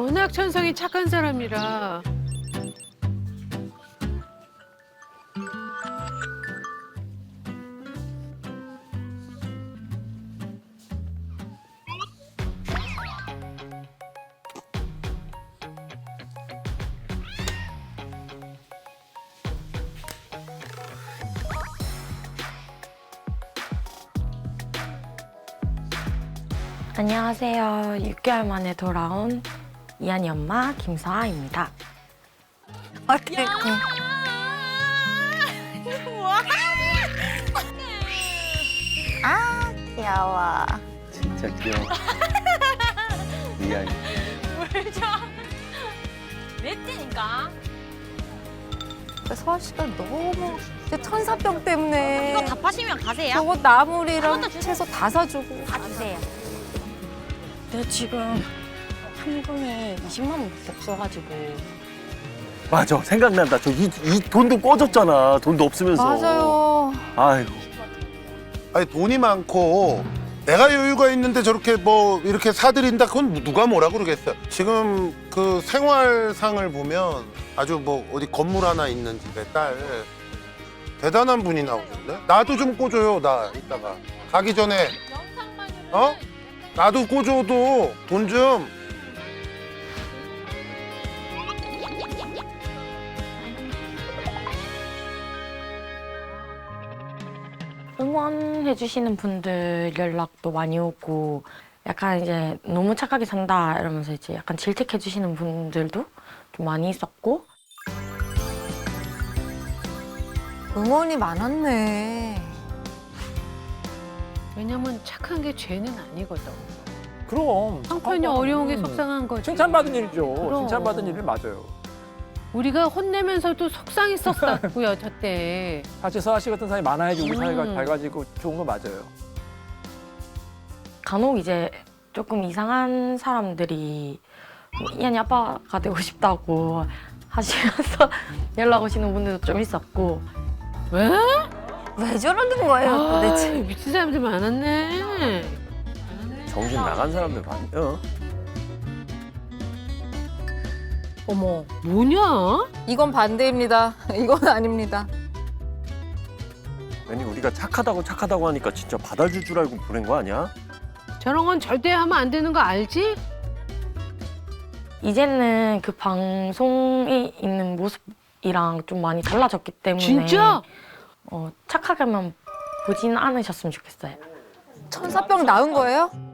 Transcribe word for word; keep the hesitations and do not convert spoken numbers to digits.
워낙 천성이 착한 사람이라. 안녕하세요. 육 개월 만에 돌아온 이한이 엄마 김서아입니다. 어때? 아 귀여워. 진짜 귀여워. 미안해. 뭘 줘? 냈지니까. 서아 씨가 너무 진짜 천사병 때문에 이거 다 파시면 가세요. 저거 나물이랑 한번더 주세요. 채소 다 사주고. 다 주세요. 근데 지금 현금이 이십만 원밖에 없어가지고 맞아, 생각난다. 저 이 이 돈도 꺼졌잖아. 돈도 없으면서. 맞아요. 아이고. 아니 돈이 많고 내가 여유가 있는데 저렇게 뭐 이렇게 사드린다 그건 누가 뭐라 그러겠어요. 지금 그 생활상을 보면 아주 뭐 어디 건물 하나 있는 집에 딸 대단한 분이 나오셨네. 나도 좀 꿔줘요. 나 이따가 가기 전에 어? 나도 꿔줘도 돈 좀. 응원해주시는 분들 연락도 많이 오고 약간 이제 너무 착하게 산다 이러면서 이제 약간 질책해주시는 분들도 좀 많이 있었고 응원이 많았네. 왜냐면 착한 게 죄는 아니거든. 그럼 형편이 착하고, 어려운 게 음, 속상한 거지. 칭찬받은 일이죠. 그럼. 칭찬받은 일이 맞아요. 우리가 혼내면서도 속상했었고요, 저때. 사실 서아 씨 같은 사람이 많아야지 우리 사회가 음. 밝아지고 좋은 거 맞아요. 간혹 이제 조금 이상한 사람들이 뭐 이한이 아빠가 되고 싶다고 하시면서 연락 오시는 분들도 좀 있었고 왜? 왜 저러는 거예요 아, 도대체? 미친 사람들 많았네. 정신 나간 사람들 많아요. 어머, 뭐냐? 이건 반대입니다. 이건 아닙니다. 괜히 우리가 착하다고 착하다고 하니까 진짜 받아줄 줄 알고 보낸 거 아니야? 저런 건 절대 하면 안 되는 거 알지? 이제는 그 방송이 있는 모습이랑 좀 많이 달라졌기 때문에 진짜? 어, 착하게만 보진 않으셨으면 좋겠어요. 천사병 나은 거예요?